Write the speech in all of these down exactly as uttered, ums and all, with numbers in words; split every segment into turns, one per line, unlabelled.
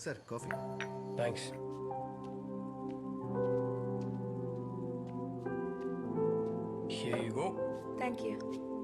Sir coffee.
Thanks. Here you go.
Thank you.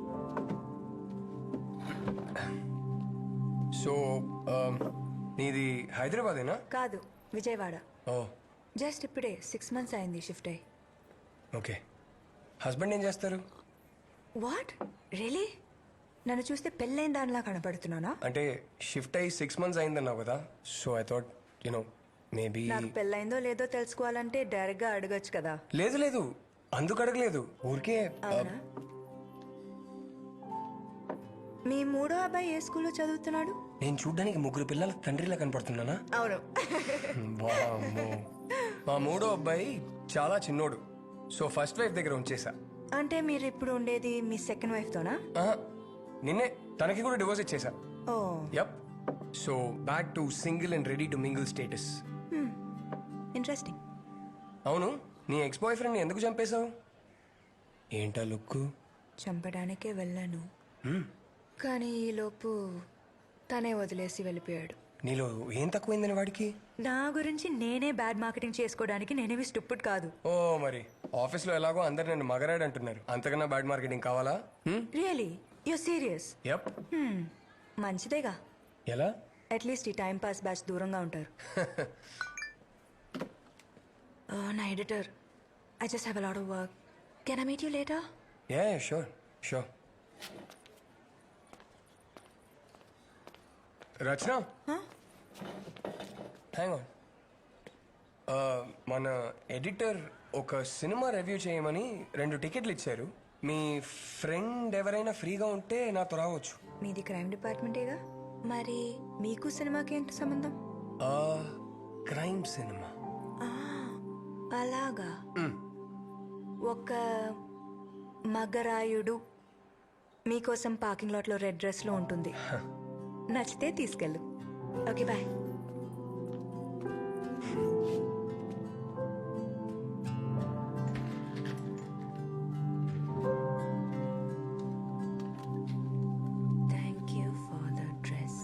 So నీది హైదరాబాదేనా?
కాదు, విజయవాడ.
ఓ
జస్ట్ ఇప్పుడే సిక్స్ మంత్స్ అయింది షిఫ్ట్ అయ్యి.
ఓకే. హస్బెండ్ ఏం చేస్తారు?
What really? నన్ను చూస్తే పెళ్ళైన దానిలా కనపడుతున్నానా?
అంటే షిఫ్ట్ అయ్యి సిక్స్ మంత్స్ అయిందన్నావు కదా, so I thought you know maybe.
నాకు పెళ్ళైందో లేదో తెలుసుకోవాలంటే డైరెక్ట్ గా అడగచ్చు కదా.
లేదు లేదు, అందుకు అడగలేదు, ఊరికే.
అవునా? మీ మూడో అబ్బాయి ఏ స్కూల్లో చదువుతున్నాడు?
నేను చూడ్డానికి ముగ్గురు పిల్లల తండ్రిలా కనపడుతున్నానా?
అవును.
వామ్మో. మా మూడో అబ్బాయి చాలా చిన్నోడు, సో ఫస్ట్ వైఫ్ దగ్గర ఉంచేసా.
అంటే మీరు ఇప్పుడు ఉండేది మీ సెకండ్ వైఫ్ తోనా?
ఆహా, నిన్నే తనకి కూడా డివోర్స్ ఇచ్చేసా.
Oh
yup. So back to single and ready to mingle status.
Interesting.
అవును, నీ ఎక్స్ బాయ్ ఫ్రెండ్ ఎందుకు చంపేశావు? ఏంటా లుక్?
చంపడానికే వెళ్ళాను, కానీ ఈలోపు తనే వదిలేసి వెళ్ళిపోయాడు.
నీలో ఏం తక్కువైందని వాడికి?
నా గురించి నేనే బ్యాడ్ మార్కెటింగ్ చేసుకోవడానికి నేనేవి స్టూపిడ్ కాదు.
ఓ మరి ఆఫీస్లో ఎలాగో అందరు నన్ను మగరాడు అంటున్నారు, అంతకన్నా బ్యాడ్ మార్కెటింగ్ కావాలా?
Really you serious?
యప్.
మంచిదేగా,
ఎలా?
అట్లీస్ట్ ఈ టైం పాస్ బ్యాచ్ దూరంగా ఉంటారు. నా editor, I just have a lot of work. Can I meet you later?
Ya sure sure. Rachana, hang on. మన ఎడిటర్ ఒక సినిమా రివ్యూ చేయమని రెండు టికెట్లు ఇచ్చారు. మీ ఫ్రెండ్ ఎవరైనా ఫ్రీగా ఉంటే నాతో రావచ్చు.
మీది క్రైమ్ డిపార్ట్మెంటేగా, మరి మీకు సినిమాకి ఏంటి సంబంధం?
Crime cinema.
అలాగా. ఒక మగరాయుడు మీకోసం పార్కింగ్ లాట్ లో రెడ్ డ్రెస్ లో ఉంటుంది. నచ్చితే తీసుకెళ్ళు. Okay bye. Thank you for the dress.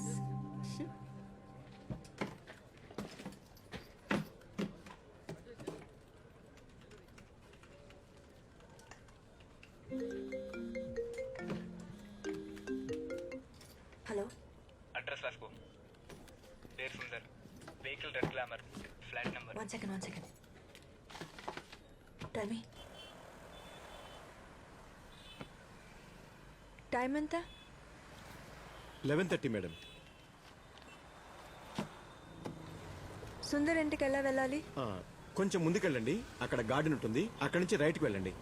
Hello,
address రాసుకో. పేరు Sundar, vehicle red glamour, flat number.
One second one second tell me time ఎంత?
Eleven thirty madam.
సుందర్ ఇంటికి ఎలా వెళ్ళాలి?
కొంచెం ముందుకెళ్ళండి, అక్కడ గార్డెన్ ఉంటుంది, అక్కడ నుంచి రైట్కి వెళ్ళండి.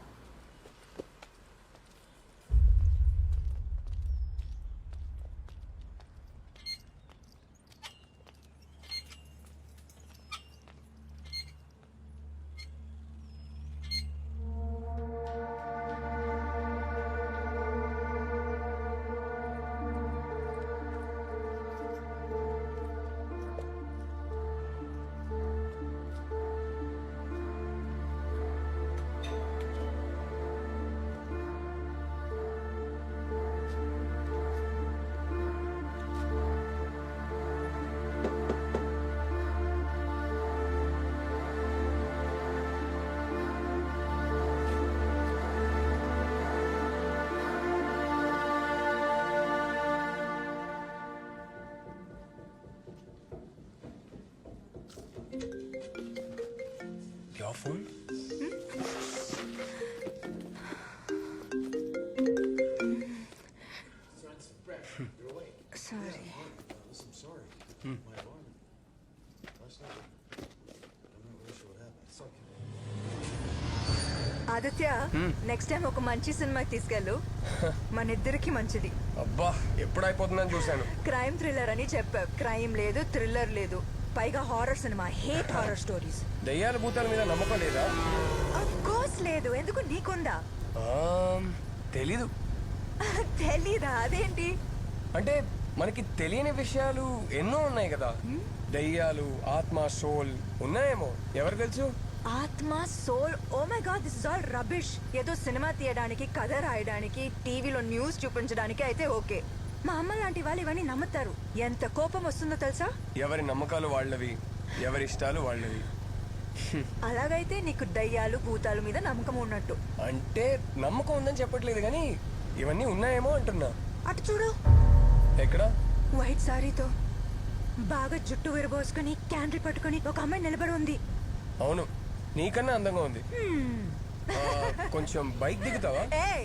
Your phone?
Sorry. Aditya, next time ఒక మంచి సినిమాకి తీసుకెళ్ళు, మన ఇద్దరికి మంచిది.
అబ్బా, ఎప్పుడు అయిపోతుందని చూశాను.
క్రైమ్ థ్రిల్లర్ అని చెప్పావు, క్రైమ్ లేదు, థ్రిల్లర్ లేదు, పైగా హారర్ సినిమా. Hate horror stories.
దయ్యాల భూతాల మీద నమ్మకం లేదా?
ఆఫ్ కోర్స్ లేదు, ఎందుకు నీకుందా?
తెలీదు.
తెలీదా? అదేంటి?
అంటే మనకి తెలియని విషయాలు ఎన్నో ఉన్నాయి కదా. దయ్యాలు, ఆత్మ, సోల్ ఉన్నాయేమో, ఎవరు తెలుసు?
ఆత్మ, soul, oh my god, this is all rubbish. ఏదో సినిమా తీయడానికి, కథ రాయడానికి, టీవీలో న్యూస్ చూపించడానికి అయితే ఓకే, మా అమ్మ లాంటి వాళ్ళు ఇవన్నీ నమ్ముతారు. ఎంత కోపం వస్తుందో తెలుసా?
ఎవరి నమ్మకాలు వాళ్ళవి, ఎవరి ఇష్టాలు వాళ్ళవి.
అలాగైతే నీకు దయ్యాలు భూతాల మీద నమ్మకం ఉన్నట్టు.
అంటే నమ్మకం ఉందని చెప్పట్లేదు కానీ ఇవన్నీ ఉన్నాయేమో అంటున్నా.
అటు చూడు,
ఎక్కడ?
వైట్ సారీతో బాగా జుట్టు విరబోసుకుని క్యాండిల్ పట్టుకుని ఒక అమ్మాయి నిలబడి ఉంది.
అవును, నీకన్నా అందంగా ఉంది. ఆ, కొంచెం బైక్ దిగుతావా?
ఏయ్!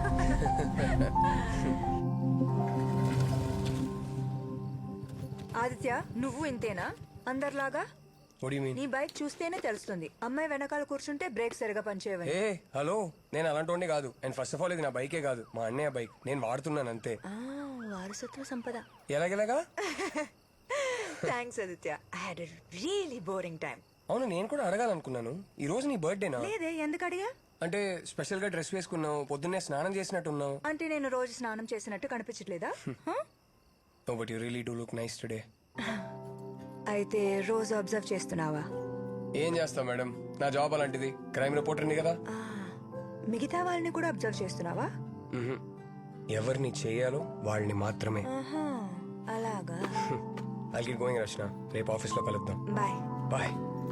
ఆదిత్య, నువ్వు ఇంతేనా అందరిలాగా?
What do you mean?
నీ బైక్ చూస్తేనే తెలుస్తుంది అమ్మాయి వెనకాల కూర్చుంటే బ్రేక్ సరిగా పనిచేయవని.
ఏ హలో, నేను అలాంటి కాదు. అండ్ ఫస్ట్ ఆఫ్ ఆల్ ఇది నా బైకే కాదు, మా అన్నయ్య బైక్. నేను వాడుతున్నాను అంతే.
ఆ, వారసత్వ సంపద.
ఎలాగెలాగా?
Thanks Aditya, I had a really boring time.
అవును, నేను కూడా అడగాలనుకున్నాను. ఈ రోజు నీ బర్త్డేనా?
లేదే, ఎందుకు అడిగా?
అంటే స్పెషల్ గా డ్రెస్ వేసుకున్నావు, పొద్దున్నే స్నానం చేసినట్టున్నావు.
అంటే నేను రోజు స్నానం చేసినట్టు కనిపించట్లేదా? హ?
No but you really do look nice today.
అయితే రోజు అబ్జర్వ్ చేస్తున్నావా?
ఏం చేస్తావు మేడం, నా జాబ్ అలాంటిది. క్రైమ్ రిపోర్టర్ని కదా.
ఆ, మిగతా వాళ్ళని కూడా అబ్జర్వ్ చేస్తున్నావా?
మ్హూ. ఎవరిని చేయాలో వాళ్ళని మాత్రమే.
ఆహా, అలాగా.
ఐ గెట్ గోయింగ్ రచన, రేపు ఆఫీస్లో కలుద్దాం.
బాయ్.
బాయ్.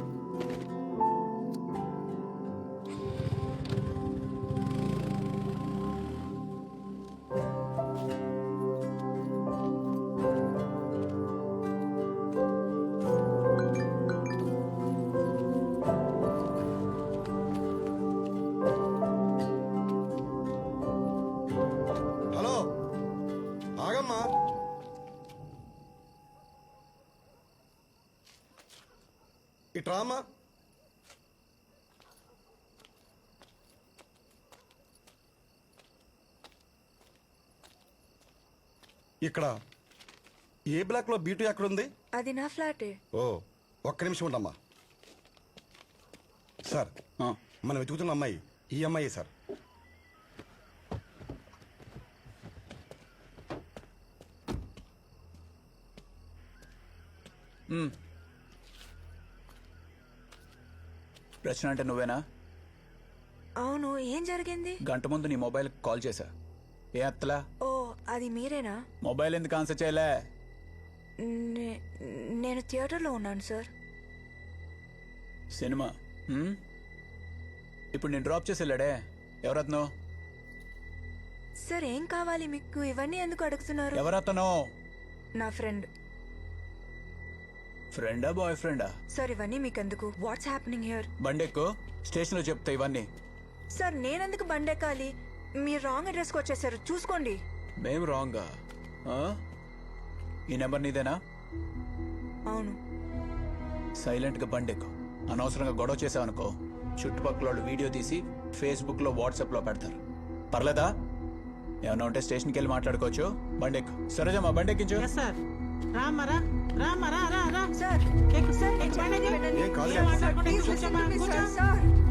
హలో, ఆగమ్మా. ఇట్రా అమ్మా. ఇక్కడ ఏ బ్లాక్ లో బీటు ఎక్కడుంది?
అది నా ఫ్లాటే.
ఓ, ఒక్క నిమిషం ఉండమ్మా. సార్, మనం వెతుకుతున్న అమ్మాయి ఈ అమ్మాయి సార్.
రచన అంటే నువ్వేనా?
అవును, ఏం జరిగింది?
గంట ముందు నీ మొబైల్ కాల్ చేశా, ఏ అత్తలా?
ఓ, అది మీరేనా?
మొబైల్ ఎందుకు ఆన్సర్ చేయలే?
నే- నేను థియేటర్లో ఉన్నాను సార్.
సినిమా హ్మ్? ఇప్పుడు నేను డ్రాప్ చేసి వెళ్ళాడే, ఎవరత్నో?
సార్, ఏం కావాలి మీకు? ఇవన్నీ ఎందుకు అడుగుతున్నారు?
ఎవరతనో?
నా ఫ్రెండ్.
ఫ్రెండా బాయ్ ఫ్రెండా?
సార్, ఇవన్నీ మీకెందుకు? What's happening here?
బండెక్కు, స్టేషన్లో చెప్తా ఇవన్నీ.
సార్, నేనెందుకు బండెక్కాలి? మీరు రాంగ్ అడ్రస్కి వచ్చేసారు, చూసుకోండి.
మేము రాంగా? ఆ? ఈ నెంబర్ నీదేనా?
అవును.
సైలెంట్గా బండెక్కు. అనవసరంగా గొడవ చేసావనుకో, చుట్టుపక్కల వాళ్ళు వీడియో తీసి ఫేస్బుక్లో వాట్సాప్లో పెడతారు. పర్లేదా? ఏమన్నా ఉంటే స్టేషన్కి వెళ్ళి మాట్లాడుకోవచ్చు. బండెక్కు. సరేజమ్మా, బండెక్కించు.
సార్ రామరా రామరా రా రా
సార్,
ఎక్కు
సార్,
ఎక్కు,
నేను
బండి
చెప్పేది
ఎక్కు.
వినండి.
ఏం కాదు
ఏం
సార్.
మాట్లాడకుండా
ప్లీజ్
కూర్చోమ్మా,
లిసన్ టు మీ,
కూర్చో.
సార్. సార్,